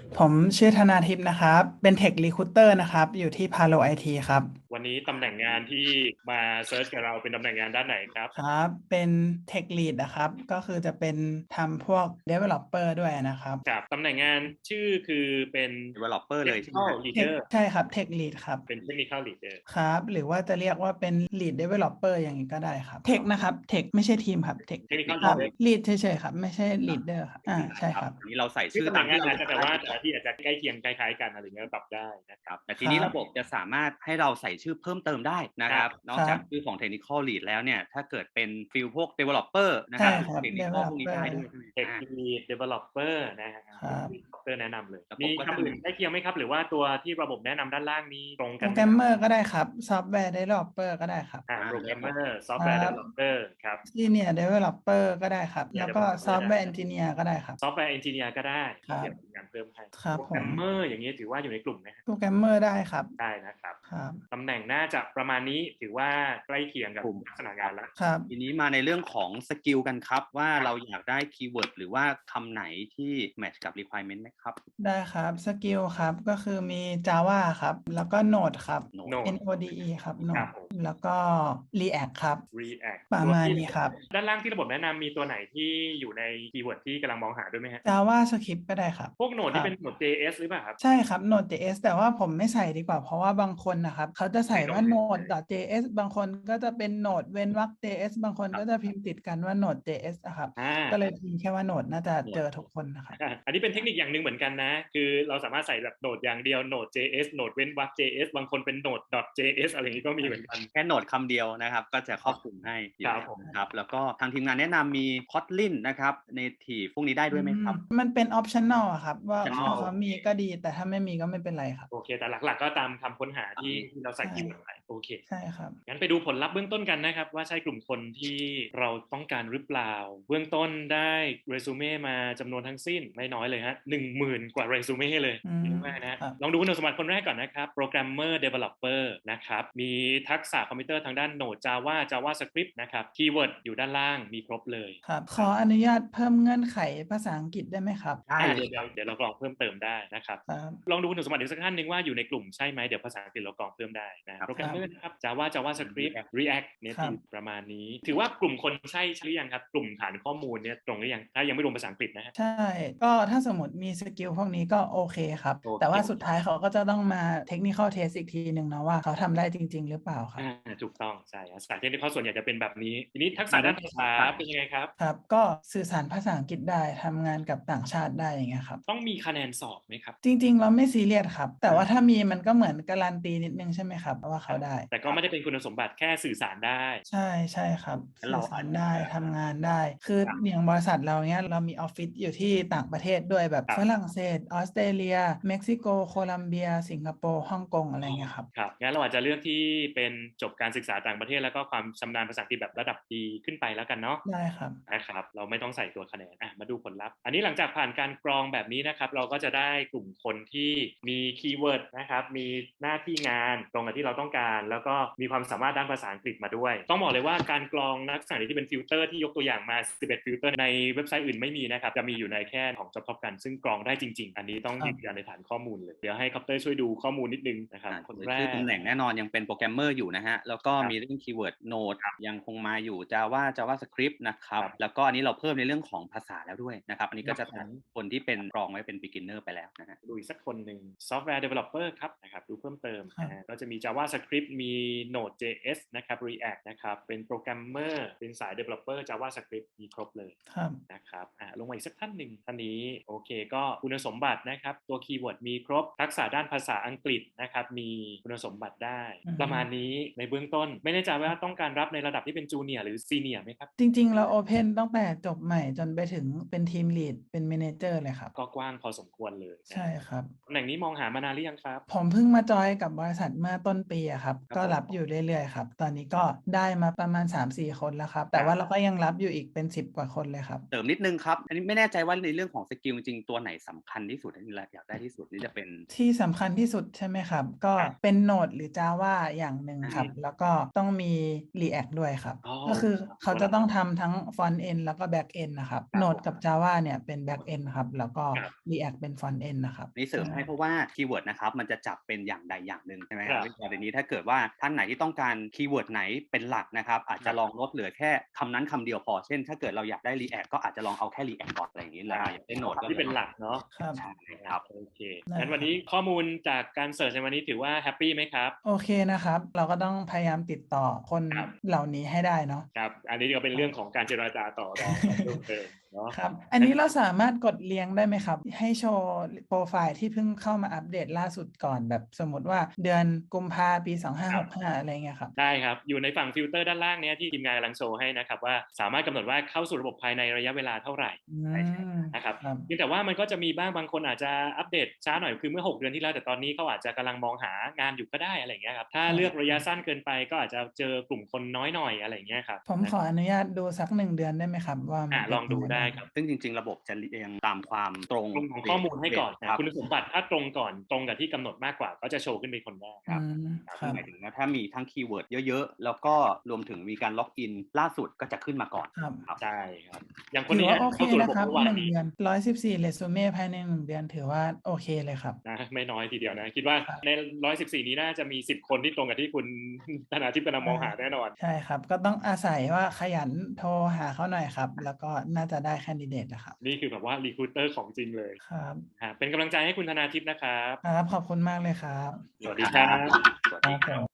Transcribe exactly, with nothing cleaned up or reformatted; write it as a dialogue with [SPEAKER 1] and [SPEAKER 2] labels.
[SPEAKER 1] ผมชื่อธนาทิพย์นะครับ เป็น Tech Recruiter นะครับ อยู่ที่ Palo ไอ ที ครับ
[SPEAKER 2] วันนี้ตำแหน่งงานที่มาเซิร์ชกับเราเป็นตำแหน่งงานด้านไหนครับ
[SPEAKER 1] ครับ เป็น Tech Lead นะครับ ก็คือจะเป็นทำพวก Developer ด้วยนะครับ
[SPEAKER 2] ครับตำแหน่งงานชื่อคือเป็น
[SPEAKER 3] developer เลยใช่ไหม
[SPEAKER 2] Technical
[SPEAKER 3] ฮะ
[SPEAKER 1] Tech
[SPEAKER 2] Leader
[SPEAKER 1] ใช่ครับ Tech Lead ครับ
[SPEAKER 2] เป็น Technical Leader
[SPEAKER 1] ครับ หรือว่าจะเรียกว่าเป็น Lead Developer อย่างนี้ก็ได้ครับ Tech นะครับ Tech ไม่ใช่ทีมครับ Tech
[SPEAKER 2] Technical
[SPEAKER 1] ครับ
[SPEAKER 2] Leader
[SPEAKER 1] Lead เฉยๆครับ ไม่ใช่ Leader ครับ อ่า ใช่ครับ
[SPEAKER 3] อันนี้เราใส่
[SPEAKER 2] ชื่อ
[SPEAKER 3] ชื่อ
[SPEAKER 2] ตำแห
[SPEAKER 3] ตา
[SPEAKER 2] น่
[SPEAKER 3] ม
[SPEAKER 2] งงา
[SPEAKER 3] ที่
[SPEAKER 2] น
[SPEAKER 3] เรา
[SPEAKER 2] อา
[SPEAKER 3] อ
[SPEAKER 2] จ
[SPEAKER 3] ยาก
[SPEAKER 2] จะแต่
[SPEAKER 3] ได้
[SPEAKER 2] ว่า
[SPEAKER 3] ดีก
[SPEAKER 2] แต่
[SPEAKER 3] ว่า
[SPEAKER 2] ละที่อาจจะใกล้เคียงคล้ายๆกันอะไรเงี้ยปรับได้นะค
[SPEAKER 3] ค
[SPEAKER 2] รั
[SPEAKER 3] รั
[SPEAKER 2] บบ
[SPEAKER 3] แต่ที
[SPEAKER 1] ค
[SPEAKER 3] นี้
[SPEAKER 1] รับ
[SPEAKER 3] ระบบจะสามารถให้เราใส่ชื่อเพิ่มเติมได้นะ
[SPEAKER 2] ค
[SPEAKER 3] ค
[SPEAKER 2] รั
[SPEAKER 3] รับ บ นอก
[SPEAKER 1] ครั
[SPEAKER 3] จาก
[SPEAKER 1] บ
[SPEAKER 3] ชื่อของ Technical Lead แล้วเนี่ย ถ้าเกิดเป็นฟีลพวก Developer นะ
[SPEAKER 1] ใช่
[SPEAKER 3] ครับ
[SPEAKER 1] ครับ
[SPEAKER 3] Technical พวกนี้
[SPEAKER 1] Developer
[SPEAKER 3] ได้ด้วยใช่ไหม?
[SPEAKER 2] Tech
[SPEAKER 3] อา
[SPEAKER 2] Lead Developer นะฮะ
[SPEAKER 1] ครับ
[SPEAKER 2] Developer แนะนำเลย
[SPEAKER 3] ระบ
[SPEAKER 2] มี
[SPEAKER 3] ก็
[SPEAKER 2] คำ
[SPEAKER 3] จะ
[SPEAKER 2] อื่
[SPEAKER 3] ม
[SPEAKER 2] นใกล้เคียงไหมครับ หรือว่าตัวที่ระบบแนะนำด้านล่างนี้ตรงกันไหมครับ?
[SPEAKER 1] Programmer ก็ได้ครับ Software Developer ก็ได้ครับ
[SPEAKER 2] อ่า
[SPEAKER 3] อา ครับผม
[SPEAKER 2] Programmer
[SPEAKER 1] ครั
[SPEAKER 2] Software
[SPEAKER 1] บ
[SPEAKER 2] Developer ครับ
[SPEAKER 1] Senior Developer ก็ได้ครับ
[SPEAKER 2] Senior
[SPEAKER 1] แล้วก็
[SPEAKER 2] Developer ได้
[SPEAKER 1] Software Engineer ก็ได้ครับ
[SPEAKER 2] Software Engineer ก็ได้
[SPEAKER 1] ครับ
[SPEAKER 2] เดี๋ยวมีงานเพิ่มให้
[SPEAKER 1] ครับผม
[SPEAKER 2] Programmer อย่างงี้ถือว่าอยู่ในกลุ่มไหมครับ?
[SPEAKER 1] Programmer ได้ครับ
[SPEAKER 2] ได้นะครับ
[SPEAKER 1] ครับ
[SPEAKER 2] ตำแหน่งน่าจะประมาณนี้ ถือว่าใกล้เคียงกับ
[SPEAKER 3] กลุ่ม
[SPEAKER 2] ลักษณะ
[SPEAKER 3] ค
[SPEAKER 2] งานแล้ว
[SPEAKER 1] ครับ
[SPEAKER 3] ทีนี้มาในเรื่องของสกิลกันครับว่า
[SPEAKER 2] ครับ
[SPEAKER 3] เราอยากได้คีย์เวิร์ด หรือว่าคำไหนที่แมตช์กับ requirement ไหมครับ?
[SPEAKER 1] ได้ครับ สกิลครับ ก็คือมี Java ครับ แล้วก็ Node ครับ
[SPEAKER 3] Node
[SPEAKER 2] Node
[SPEAKER 1] N-O-D-E ครับ
[SPEAKER 2] ครับ
[SPEAKER 1] Node
[SPEAKER 2] ผม
[SPEAKER 1] แล้วก็ React ครับ
[SPEAKER 2] React
[SPEAKER 1] ประมาณนี้ครับ
[SPEAKER 2] ด้านล่างที่ระบบแนะนำมีตัวไหนที่อยู่ในคีย์เวิร์ดที่กำลังมองหาด้วยไหมครับ?
[SPEAKER 1] JavaScript ก็ได้ครับ
[SPEAKER 2] พวก Node
[SPEAKER 1] ค
[SPEAKER 2] นี
[SPEAKER 1] ร่ั
[SPEAKER 2] เป็น
[SPEAKER 1] บ
[SPEAKER 2] Node เจ เอส หรือเปล่าครับ?
[SPEAKER 1] ใช่ครับ Node.js แต่ว่าผมไม่ใส่ดีกว่า เพราะว่าบางคนน่ะครับเขาจะใส่ว่า Node.js บางคนก็จะเป็น Node เว้นวรรค js บางคน
[SPEAKER 3] คร
[SPEAKER 1] กั็
[SPEAKER 3] บ
[SPEAKER 1] จะพิมพ์ติดกันว่า Node.js อะครับ
[SPEAKER 2] อา
[SPEAKER 1] ก็เลยพิมพ์แค่ว่า Node น่าจะเจ
[SPEAKER 3] Node
[SPEAKER 1] อทุกคนนะครับ
[SPEAKER 2] อา อันนี้เป็นเทคนิคอย่างหนึ่งเหมือนกันนะ คือเราสามารถใส่แบบ Node อย่างเดียว Node.js Node เว้นวรรค js บางคนเป็น Node.js อะไรอย่างงี้ก็มีเหมือนกัน
[SPEAKER 3] แค่ Node คำเดียวนะครับ ก็จะครอบคลุมให้อยู
[SPEAKER 2] ค่รับ
[SPEAKER 3] แล้ว
[SPEAKER 2] ผม
[SPEAKER 3] นะครับ แล้วก็ทางทีมงานแนะนำมี Kotlin นะครับ Native พวกนี้ได้ด้วยไหมครับ?
[SPEAKER 1] อืม มันเป็น optional อะครับ ว่า
[SPEAKER 3] optional
[SPEAKER 1] ถ้าเขามีก็ดี แต่ถ้าไม่มีก็ไม่เป็นไรครับ
[SPEAKER 2] โอเค แต่หลัก ๆ ก็ตามคำค้นหาที่
[SPEAKER 3] อืม
[SPEAKER 2] ที่เราใส่
[SPEAKER 1] ใช่
[SPEAKER 2] คีย์เวิร์ดไป โอเค
[SPEAKER 1] ใช่ครับ
[SPEAKER 2] งั้นไปดูผลลัพธ์เบื้องต้นกันนะครับว่า ใช่กลุ่มคนที่เราต้องการหรือเปล่า เบื้องต้นได้ resume มาจำนวนทั้งสิ้นไม่น้อยเลยครับ หนึ่งหมื่น กว่า resume เลย
[SPEAKER 1] อืม
[SPEAKER 2] เยอะมากนะครับ
[SPEAKER 1] ครับ
[SPEAKER 2] ลองดูคุณสมบัติคนแรกก่อนนะครับ Programmer Developer นะครับ มีทักษะคอมพิวเตอร์ทางด้าน Node Java JavaScript นะครับ คีย์เวิร์ดอยู่ด้านล่างมีครบเลย
[SPEAKER 1] ครับ ขออนุญาตเพิ่มเงื่อนไขภาษาอังกฤษได้ไหมครับ?
[SPEAKER 3] ได้
[SPEAKER 2] อา
[SPEAKER 3] เล
[SPEAKER 2] เด
[SPEAKER 3] ย
[SPEAKER 2] ี๋ยว ๆ เดี๋ยวเรากรองเพิ่มเติมได้นะครับ
[SPEAKER 1] ครับ
[SPEAKER 2] ลองดูคุณสมบัติอีกสักท่านหนึ่งว่าอยู่ในกลุ่มใช่ไหม เดี๋ยวภาษาอังกฤษเรากรองเพิ่มได้นะ
[SPEAKER 3] ครับ
[SPEAKER 2] Programmer นะครับ Java JavaScript
[SPEAKER 3] React
[SPEAKER 2] React
[SPEAKER 1] ครับ
[SPEAKER 2] Native ประมาณนี้ ถือว่ากลุ่มคนใช่หรือยังครับ กลุ่มฐานข้อมูลเนี่ยตรงหรือยัง ถ้ายังไม่รวมภาษาอังกฤษนะครับ?
[SPEAKER 1] ใช่ ก็ถ้าสมมุติมีสกิลพวกนี้ก็โอเคครับ
[SPEAKER 2] โอเค
[SPEAKER 1] แต่ว่าสุดท้ายเขาก็จะต้องมา Technical Test อีกทีหนึ่งเนาะว่าเขาทำได้จริง ๆ หรือเปล่าครั
[SPEAKER 2] อ
[SPEAKER 1] บ
[SPEAKER 2] า ถูกต้อง ใช่ครับ สาย Technical ส่วนใหญ่จะเป็นแบบนี้ ทีนี้ทักษะด้านภาษาเป็นยังไงครับ?
[SPEAKER 1] ครับ ก็สื่อสารภาษาอังกฤษได้ ทำงานกับต่างชาติได้ อย่างเงี้ยครับ
[SPEAKER 2] ต้องมีคะแนนสอบไหมครับ?
[SPEAKER 1] จริง ๆ เราไม่ซีเรียสครับ แต่ว่าถ้ามีมันก็เหมือนการันตีนิดหนึ่งใช่ไหมครับว่าเขาได้
[SPEAKER 2] แต่ก็ไม่ได้เป็นคุณสมบัติ แค่สื่อสารได้
[SPEAKER 1] ใช่ ใช่ครับ
[SPEAKER 3] งั้น
[SPEAKER 1] สื
[SPEAKER 3] เร่า
[SPEAKER 1] อส
[SPEAKER 3] อ
[SPEAKER 1] า
[SPEAKER 3] าจ
[SPEAKER 1] รได้ ทำงานได้ คือ
[SPEAKER 3] ครับ
[SPEAKER 1] อย่างบริษัทเรา เงี้ย เรามีออฟฟิศอยู่ที่ต่างประเทศด้วย แบบ
[SPEAKER 2] ครับ
[SPEAKER 1] ฝรั่งเศส ออสเตรเลีย เม็กซิโก โคลัมเบีย สิงคโปร์ ฮ่องกง อะไรเงี้ยครับ
[SPEAKER 2] ครับ งั้นเราอาจจะเลือกที่เป็นจบการศึกษาต่างประเทศ แล้วก็ความชำนาญภาษาอังกฤษแบบระดับดีขึ้นไปแล้วกันเนาะ
[SPEAKER 1] ได้ครับ
[SPEAKER 2] นะครับ เราไม่ต้องใส่ตัวคะแนน อะ มาดูผลลัพธ์ อันนี้หลังจากผ่านการกรองแบบนี้นะครับ เราก็จะได้กลุ่มคนที่มีคีย์เวิร์ดนะครับ มีหน้าที่งานตรงกับที่เราต้องการ แล้วก็มีความสามารถด้านภาษาอังกฤษมาด้วย ต้องบอกเลยว่าการกรองลักษณะนี้ที่เป็นฟิลเตอร์ที่ยกตัวอย่างมา สิบเอ็ด ฟิลเตอร์ ในเว็บไซต์อื่นไม่มีนะครับ จะมีอยู่ในแค่ของ Job Top Gun ซึ่งกรองได้จริง ๆ อันนี้ต้อง
[SPEAKER 1] ครั
[SPEAKER 2] ยื
[SPEAKER 1] บ
[SPEAKER 2] นยันในฐานข้อมูลเลย เดี๋ยวให้คอปเตอร์ช่วยดูข้อมูลนิดหนึ่งนะครับ
[SPEAKER 3] อ่า
[SPEAKER 2] คนแร
[SPEAKER 3] ชื่อตำ
[SPEAKER 2] ก
[SPEAKER 3] แหน่งแน่นอนยังเป็น Programmer อยู่นะครับ แล้วก็
[SPEAKER 2] ครับ
[SPEAKER 3] มีเรื่องคีย์เวิร์ด Node
[SPEAKER 2] ครับ
[SPEAKER 3] ยังคงมาอยู่ Java JavaScript นะครับ
[SPEAKER 2] ครับ
[SPEAKER 3] แล้วก็อันนี้เราเพิ่มในเรื่องของภาษาแล้วด้วยนะครับ อันนี้ก็จะ
[SPEAKER 2] ครั
[SPEAKER 3] ตั
[SPEAKER 2] บ
[SPEAKER 3] ดคนที่เป็นกรองไว้เป็น Beginner ไปแล้วนะฮะ
[SPEAKER 2] ดูอีกสักคนหนึ่ง Software Developer ครับ นะครับ ดูเพิ่มเติม
[SPEAKER 1] ครับ
[SPEAKER 2] นะฮะ ก็จะมี JavaScript มี Node.js นะครับ React นะครับ เป็น Programmer เป็นสาย Developer JavaScript มีครบเลย
[SPEAKER 1] ครับ
[SPEAKER 2] นะครับ อ่า ลงมาอีกสักท่านหนึ่ง ท่านนี้โอเค ก็คุณสมบัตินะครับ ตัวคีย์เวิร์ดมีครบ ทักษะด้านภาษาอังกฤษนะครับ มีคุณสมบัติได้
[SPEAKER 1] อือฮึ
[SPEAKER 2] ประมาณนี้ในเบื้องต้น ไม่แน่ใจว่าต้องการรับในระดับที่เป็น Junior หรือ Senior ไหมครับ?
[SPEAKER 1] จริง ๆ เราโอเพนตั้งแต่จบใหม่จนไปถึงเป็น Team Lead เป็น Manager เลยครับ
[SPEAKER 2] ก็กว้างพอสมควรเลย
[SPEAKER 1] ใช่ครับ
[SPEAKER 2] ตำแหน่งนี้มองหามานานหรือยังครับ?
[SPEAKER 1] ผมเพิ่งมาจอยน์กับบริษัทเมื่อต้นปีอะครับก็รับอยู่เรื่อยๆครับตอนนี้ก็ได้มาประมาณ สามสี่ คนแล้วครับแต่ว่าเราก็ยังรับอยู่อีกเป็นสิบกว่าคนเลยครับ
[SPEAKER 3] เสริมนิดนึงครับอันนี้ไม่แน่ใจว่าในเรื่องของสกิลจริงๆตัวไหนสำคัญที่สุดที่เราอยากได้ที่สุดนี่จะเป็น
[SPEAKER 1] ที่สำคัญที่สุดใช่ไหมครับก็เป็น Node หรือ Java อย่างหนึ่งครับแล้วก็ต้องมี React ด้วยครับก็คือเขาจะต้องทำทั้ง Front End แล้วก็ Back End นะครับ Node กับ Java เนี่ยเป็น Back End ครับแล้วก็ React เป็น Front End นะครับ
[SPEAKER 3] นี่เสริมให้เพราะว่าคีย์เวิร์ดนะครับมันจะจับเป็นอย่างใดอย่างหนึ่งใช่ไหมครับวิธีการนี้ถ้าเกิดว่าท่านไหนที่ต้องการคีย์เวิร์ดไหนเป็นหลักนะครับอาจจะลองลดเหลือแค่คำนั้นคำเดียวพอเช่นถ้าเกิดเราอยากได้ React ก็อาจจะลองเอาแค่ React ก่อนอะไรอย่างนี้แล้วอยากได้ Node
[SPEAKER 2] ที่เป็นหลักเนาะ
[SPEAKER 1] ครับ
[SPEAKER 3] ใช่ครับ
[SPEAKER 2] โอเคงั้นวันนี้ข้อมูลจากการเสิร์ชในวันนี้ถือว่าแฮปปี้ไหมครับ
[SPEAKER 1] โอเคนะครับเราก็ต้องพยายามติดต่อคนเหล่านี้ให้ได้เนาะ
[SPEAKER 2] ครับอันนี้ก็เป็นเรื่องของการเจรจาต่อรองเพิ่มเติมเนาะ
[SPEAKER 1] ครับอันนี้เราสามารถกดเรียงได้ไหมครับให้โชว์โปรไฟล์ที่เพิ่งเข้ามาอัปเดตล่าสุดก่อนแบบสมมติว่าเดือนกุมภาปีสองห้าหกห้าอะไรเงี้ยครับ
[SPEAKER 2] ได้ครับอยู่ในฝั่งฟิลเตอร์ด้านล่างเนี้ยที่ทีมงานกำลังโชว์ให้นะครับว่าสามารถกำหนดว่าเข้าสู่ระบบภายในระยะเวลาเท่าไหร่นะครับเพียงแต่ว่ามันก็จะมีบ้างบางคนอาจจะอัปเดตช้าหน่อยคือเมื่อหกเดือนที่แล้วแต่ตอนนี้เขาอาจจะกำลังมองหางานอยู่ก็ได้อะไรเงี้ยครับถ้าเลือกระยะสั้นเกินไปก็อาจจะเจอกลุ่มคนน้อยหน่อยอะไรเงี้ยครับ
[SPEAKER 1] ผมขออนุญาตดูสักหนึ่งเดือนได้ไหมครับว่า
[SPEAKER 2] ลองดูได้ครับ
[SPEAKER 3] ซึ่งจริงๆระบบจะเรียงตามความตรง
[SPEAKER 2] ของข้อมูลให้ก่อนคุณสมบัติถ้าตรงก่อนตรงกับที่กำหนดมากกว่าก็จะโชว์ขึ้นเป็นคนแรก
[SPEAKER 3] ครับหมายถึงว่าถ้ามีทั้งคีย์เวิร์ดเยอะๆแล้วก็รวมถึงมีการล็อกอินล่าสุดก็จะขึ้นมาก่อน
[SPEAKER 1] ครับ
[SPEAKER 2] ใช่ครับอย่างคนนี้
[SPEAKER 1] โอเคนะครับหนึ่งเดือนร้อยสิบสี่เรซูเม่ภายในหนึ่งเดือนถือว่าโอเคเลยครับ
[SPEAKER 2] นะไม่น้อยทีเดียวนะคิดว่าในร้อยสิบสี่นี้น่าจะมีสิบคนที่ตรงกับที่คุณธนาทิพย์กำลังมองหาแน่นอน
[SPEAKER 1] ใช่ครับก็ต้องอาศัยว่าขยันโทรหาเขาหน่อยครับแล้วก็น่าจะได้แคนดิเดตนะครับ
[SPEAKER 2] นี่คือแบบว่ารีครูเตอร์ของจริงเลย
[SPEAKER 1] ครับ
[SPEAKER 2] เป็นกำลังใจให้คุณธนาทิพย์นะครับ
[SPEAKER 1] ครับขอบคุณมากเลยครับ
[SPEAKER 2] สวัสดีครับ
[SPEAKER 1] ครับผม